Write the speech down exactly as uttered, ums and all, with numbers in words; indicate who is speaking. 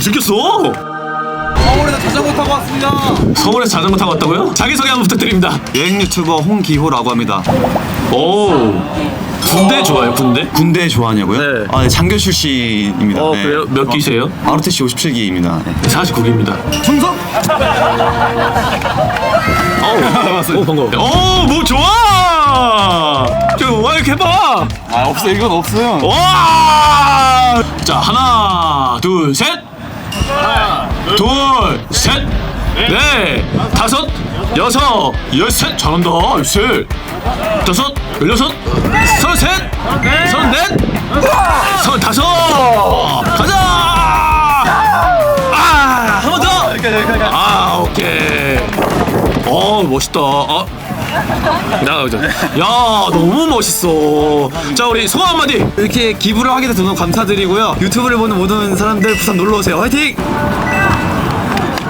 Speaker 1: 잘생겼어.
Speaker 2: 서울에서 자전거 타고 왔습니다.
Speaker 1: 서울에서 자전거 타고 왔다고요? 자기소개 한번 부탁드립니다.
Speaker 2: 여행 유튜버 홍기호라고 합니다.
Speaker 1: 오, 군대 좋아요, 군대?
Speaker 2: 군대 좋아하냐고요?
Speaker 1: 네.
Speaker 2: 아, 네, 장교 출신입니다.
Speaker 1: 어,
Speaker 2: 네.
Speaker 1: 그래요? 몇 기세요?
Speaker 2: 아르티씨 오십칠 기입니다. 네.
Speaker 1: 사십구 기입니다.
Speaker 2: 충성!
Speaker 1: 어우, 오, 반가워. 오, 뭐 좋아! 좋아, 이렇게 해봐!
Speaker 2: 아, 없어요. 이건 없어요.
Speaker 1: 와! 자, 하나, 둘, 셋! 하나, 둘, 셋! 넷, 다섯, 여섯, 열셋! 잘한다, 열셋! 다섯, 열여섯, 서른셋! 서른넷! 서른다섯! 가자! 아! 한 번 더! 아, 오케이. 어, 멋있다. 어. 야, 야, 너무 멋있어. 자, 우리 소감 한마디.
Speaker 2: 이렇게 기부를 하게 돼서 너무 감사드리고요. 유튜브를 보는 모든 사람들 부산 놀러 오세요. 화이팅!